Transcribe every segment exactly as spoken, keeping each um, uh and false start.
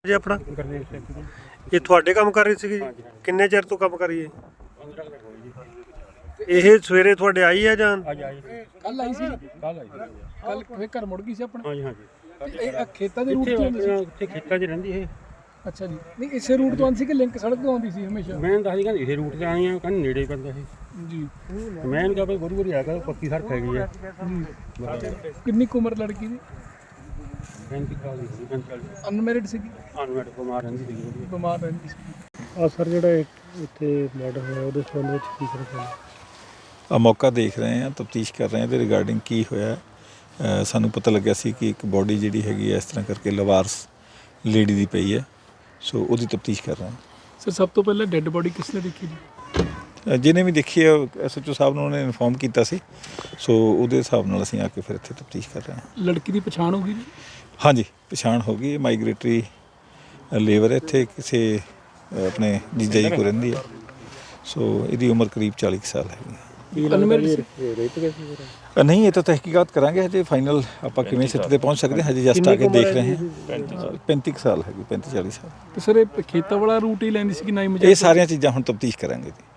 ਜੀ ਆਪਣਾ ਗੁਰਦੇਵ ਸਿੰਘ ਜੀ। ਇਹ ਤੁਹਾਡੇ ਕੰਮ ਕਰ ਰਹੀ ਸੀਗੀ ਜੀ? ਹਾਂਜੀ, ਹਾਂਜੀ। ਕਿੰਨੇ ਚਿਰ ਤੋਂ ਕੰਮ ਕਰੀਏ? ਪੰਦਰਾਂ ਕੁ ਦਿਨ ਹੋਏ ਜੀ। ਇਹ ਸਵੇਰੇ ਤੁਹਾਡੇ ਆਈ ਹੈ ਜਾਂ ਅੱਜ ਆਈ ਸੀ। ਕੱਲ ਆਈ ਸੀ ਕੱਲ ਆਈ ਸੀ। ਕੱਲ ਫੇਰ ਘਰ ਮੁੜ ਗਈ ਸੀ ਆਪਣਾ ਹਾਂਜੀ ਹਾਂਜੀ। ਤੇ ਇਹ ਆਹ ਖੇਤਾਂ ਦੇ ਰੂਟ ਇੱਥੇ ਤੋਂ ਆਉਂਦੀ ਸੀ? ਇੱਥੇ ਖੇਤਾਂ 'ਚ ਰਹਿੰਦੀ ਇਹ। ਅੱਛਾ ਜੀ, ਨਹੀਂ ਇਸੇ ਰੂਟ ਤੋਂ ਆਉਂਦੀ ਸੀ ਕਿ ਲਿੰਕ ਸੜਕ ਤੋਂ ਆਉਂਦੀ ਸੀ ਹਮੇਸ਼ਾ? ਮੈਂ ਦੱਸਦੀ ਕਹਿੰਦੀ ਇਸੇ ਰੂਟ ਤੇ ਆਈ ਆ, ਕਹਿੰਦੀ ਨੇੜੇ ਪੈਂਦਾ ਸੀ। ਜੀ ਮੈਂ ਇਹਨੂੰ ਕਿਹਾ ਵੀ ਗੁਰੂ ਗੁਰੂ ਆ ਕੇ ਪੱਕੀ ਸੜਕ ਹੈਗੀ ਆ। ਜੀ ਕਿੰਨੀ ਕੁ ਉਮਰ ਲੜਕੀ ਦੀ? ਪੈਂਤੀ ਸਾਲ ਦੀ ਸੀ, ਪੈਂਤੀ ਚਾਲੀ। ਅਨਮੈਰਿਡ ਸੀਗੀ, ਅਨਮੈਟ ਬਿਮਾਰ ਰਹਿੰਦੀ ਸੀ ਉਹਦੀ। ਬਿਮਾਰ ਰਹਿੰਦੀ ਸੀ। ਆ ਸਰ ਜਿਹੜਾ ਇੱਥੇ ਮਰਡਰ ਹੋਇਆ ਉਹਦੇ ਸੰਬੰਧ ਵਿੱਚ ਕੀ ਕਰਨਾ? ਆ ਮੌਕਾ ਦੇਖ ਰਹੇ ਹਾਂ, ਤਫਤੀਸ਼ ਕਰ ਰਹੇ ਹਾਂ ਇਹਦੇ ਰਿਗਾਰਡਿੰਗ ਕੀ ਹੋਇਆ। ਅ, ਸਾਨੂੰ ਪਤਾ ਲੱਗਿਆ ਸੀ ਕਿ ਇੱਕ ਬੋਡੀ ਜਿਹੜੀ ਹੈਗੀ ਹੈ ਇਸ ਤਰ੍ਹਾਂ ਕਰਕੇ ਲਵਾਰਸ ਲੇਡੀ ਦੀ ਪਈ ਹੈ, ਸੋ ਉਹਦੀ ਤਫਤੀਸ਼ ਕਰ ਰਹੇ ਹਾਂ। ਸਰ ਸਭ ਤੋਂ ਪਹਿਲਾਂ ਡੈੱਡ ਬੋਡੀ ਕਿਸ ਨੇ ਦੇਖੀ ਜੀ? ਅ, ਜਿਹਨੇ ਵੀ ਦੇਖੀ ਹੈ ਐਸ ਐਚ ਓ ਸਾਹਿਬ ਨੂੰ ਉਹਨੇ ਇਨਫੋਰਮ ਕੀਤਾ ਸੀ, ਸੋ ਉਹਦੇ ਹਿਸਾਬ ਨਾਲ ਅਸੀਂ ਆ ਕੇ ਫਿਰ ਇੱਥੇ ਤਫਤੀਸ਼ ਕਰ ਰਹੇ ਹਾਂ। ਲੜਕੀ ਦੀ ਪਛਾਣ ਹੋ ਗਈ ਜੀ? ਹਾਂਜੀ, ਪਛਾਣ ਹੋ ਗਈ। ਮਾਈਗ੍ਰੇਟਰੀ ਲੇਬਰ ਇੱਥੇ ਕਿਸੇ ਅ, ਆਪਣੇ ਜੀਜਾ ਜੀ ਕੋਲ ਰਹਿੰਦੀ ਹੈ, ਸੋ ਇਹਦੀ ਉਮਰ ਕਰੀਬ ਚਾਲੀ ਕੁ ਸਾਲ ਹੈਗੀ ਹੈ। ਅਨਮੈਰਿਡ ਸੀ? ਅ, ਨਹੀਂ, ਇਹ ਤਾਂ ਤਹਿਕੀਕਾਤ ਕਰਾਂਗੇ। ਹਜੇ ਫਾਈਨਲ ਆਪਾਂ ਕਿਵੇਂ ਸਿੱਟ ਤੇ ਪਹੁੰਚ ਸਕਦੇ ਹਾਂ, ਹਜੇ ਜਸਟ ਆ ਕੇ ਦੇਖ ਰਹੇ ਹਾਂ। ਪੈਂਤੀ ਕੁ ਸਾਲ ਹੈਗੀ, ਪੈਂਤੀ ਚਾਲੀ ਸਾਲ। ਤੇ ਸਰ ਇਹ ਖੇਤਾਂ ਵਾਲਾ ਰੂਟ ਹੀ ਲੈਂਦੀ ਸੀ ਕਿ ਨਾ ਹੀ ਇਹ ਸਾਰੀਆਂ ਚੀਜ਼ਾਂ ਹੁਣ ਤਫਤੀਸ਼ ਕਰਾਂਗੇ ਜੀ।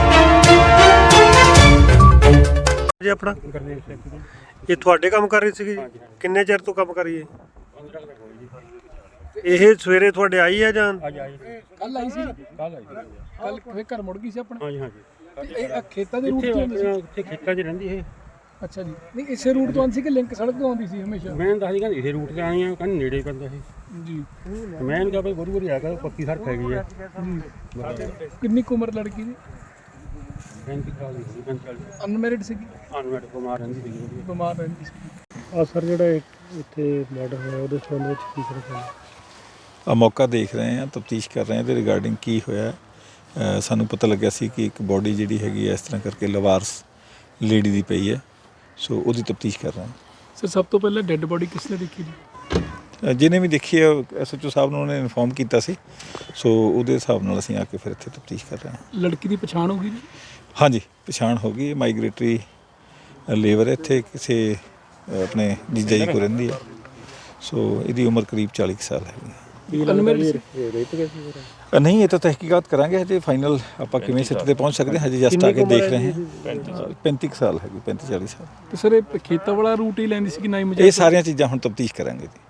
ਜੀ ਆਪਣਾ ਗੁਰਦੇਵ ਸਿੰਘ ਜੀ। ਇਹ ਤੁਹਾਡੇ ਕੰਮ ਕਰ ਰਹੀ ਸੀਗੀ ਜੀ? ਹਾਂਜੀ, ਹਾਂਜੀ। ਕਿੰਨੇ ਚਿਰ ਤੋਂ ਕੰਮ ਕਰੀਏ? ਪੰਦਰਾਂ ਕੁ ਦਿਨ ਹੋਏ ਜੀ। ਇਹ ਸਵੇਰੇ ਤੁਹਾਡੇ ਆਈ ਹੈ ਜਾਂ ਅੱਜ ਆਈ ਸੀ। ਕੱਲ ਆਈ ਸੀ? ਕੱਲ ਆਈ ਸੀ। ਕੱਲ ਫੇਰ ਘਰ ਮੁੜ ਗਈ ਸੀ ਆਪਣਾ? ਹਾਂਜੀ ਹਾਂਜੀ। ਤੇ ਇਹ ਆਹ ਖੇਤਾਂ ਦੇ ਰੂਟ ਇੱਥੇ ਤੋਂ ਆਉਂਦੀ ਸੀ? ਇੱਥੇ ਖੇਤਾਂ 'ਚ ਰਹਿੰਦੀ ਇਹ। ਅੱਛਾ ਜੀ, ਨਹੀਂ ਇਸੇ ਰੂਟ ਤੋਂ ਆਉਂਦੀ ਸੀ ਕਿ ਲਿੰਕ ਸੜਕ ਤੋਂ ਆਉਂਦੀ ਸੀ ਹਮੇਸ਼ਾ? ਮੈਂ ਦੱਸਦੀ ਕਹਿੰਦੀ ਇਸੇ ਰੂਟ ਤੇ ਆਈ ਆ, ਕਹਿੰਦੀ ਨੇੜੇ ਪੈਂਦਾ ਸੀ। ਜੀ ਮੈਂ ਇਹਨੂੰ ਕਿਹਾ ਵੀ ਗੁਰੂ ਗੁਰੂ ਆ ਕੇ ਪੱਕੀ ਸੜਕ ਹੈਗੀ ਆ। ਜੀ ਕਿੰਨੀ ਕੁ ਉਮਰ ਲੜਕੀ ਦੀ? ਪੈਂਤੀ ਸਾਲ ਦੀ ਸੀ, ਪੈਂਤੀ ਚਾਲੀ। ਅਨਮੈਰਿਡ ਸੀਗੀ, ਅਨਮੈਟ ਬਿਮਾਰ ਰਹਿੰਦੀ ਸੀ ਉਹਦੀ। ਬਿਮਾਰ ਰਹਿੰਦੀ ਸੀ। ਆ ਸਰ ਜਿਹੜਾ ਇੱਥੇ ਮਰਡਰ ਹੋਇਆ ਉਹਦੇ ਸੰਬੰਧ ਵਿੱਚ ਕੀ ਕਰਨਾ? ਆ ਮੌਕਾ ਦੇਖ ਰਹੇ ਹਾਂ, ਤਫਤੀਸ਼ ਕਰ ਰਹੇ ਹਾਂ ਇਹਦੇ ਰਿਗਾਰਡਿੰਗ ਕੀ ਹੋਇਆ। ਅ, ਸਾਨੂੰ ਪਤਾ ਲੱਗਿਆ ਸੀ ਕਿ ਇੱਕ ਬੋਡੀ ਜਿਹੜੀ ਹੈਗੀ ਹੈ ਇਸ ਤਰ੍ਹਾਂ ਕਰਕੇ ਲਵਾਰਸ ਲੇਡੀ ਦੀ ਪਈ ਹੈ, ਸੋ ਉਹਦੀ ਤਫਤੀਸ਼ ਕਰ ਰਹੇ ਹਾਂ। ਸਰ ਸਭ ਤੋਂ ਪਹਿਲਾਂ ਡੈੱਡ ਬੋਡੀ ਕਿਸ ਨੇ ਦੇਖੀ ਜੀ? ਅ, ਜਿਹਨੇ ਵੀ ਦੇਖੀ ਹੈ ਐਸ ਐਚ ਓ ਸਾਹਿਬ ਨੂੰ ਉਹਨੇ ਇਨਫੋਰਮ ਕੀਤਾ ਸੀ, ਸੋ ਉਹਦੇ ਹਿਸਾਬ ਨਾਲ ਅਸੀਂ ਆ ਕੇ ਫਿਰ ਇੱਥੇ ਤਫਤੀਸ਼ ਕਰ ਰਹੇ ਹਾਂ। ਲੜਕੀ ਦੀ ਪਛਾਣ ਹੋ ਗਈ ਜੀ? ਹਾਂਜੀ, ਪਛਾਣ ਹੋ ਗਈ। ਮਾਈਗ੍ਰੇਟਰੀ ਲੇਬਰ ਇੱਥੇ ਕਿਸੇ ਅ, ਆਪਣੇ ਜੀਜਾ ਜੀ ਕੋਲ ਰਹਿੰਦੀ ਹੈ, ਸੋ ਇਹਦੀ ਉਮਰ ਕਰੀਬ ਚਾਲੀ ਕੁ ਸਾਲ ਹੈਗੀ ਹੈ। ਅਨਮੈਰਿਡ ਸੀ? ਅ, ਨਹੀਂ, ਇਹ ਤਾਂ ਤਹਿਕੀਕਾਤ ਕਰਾਂਗੇ। ਹਜੇ ਫਾਈਨਲ ਆਪਾਂ ਕਿਵੇਂ ਸਿੱਟ ਤੇ ਪਹੁੰਚ ਸਕਦੇ ਹਾਂ, ਹਜੇ ਜਸਟ ਆ ਕੇ ਦੇਖ ਰਹੇ ਹਾਂ। ਪੈਂਤੀ ਕੁ ਸਾਲ ਹੈਗੀ, ਪੈਂਤੀ ਚਾਲੀ ਸਾਲ। ਤੇ ਸਰ ਇਹ ਖੇਤਾਂ ਵਾਲਾ ਰੂਟ ਹੀ ਲੈਂਦੀ ਸੀ ਕਿ ਨਾ ਹੀ? ਇਹ ਸਾਰੀਆਂ ਚੀਜ਼ਾਂ ਹੁਣ ਤਫਤੀਸ਼ ਕਰਾਂਗੇ ਜੀ।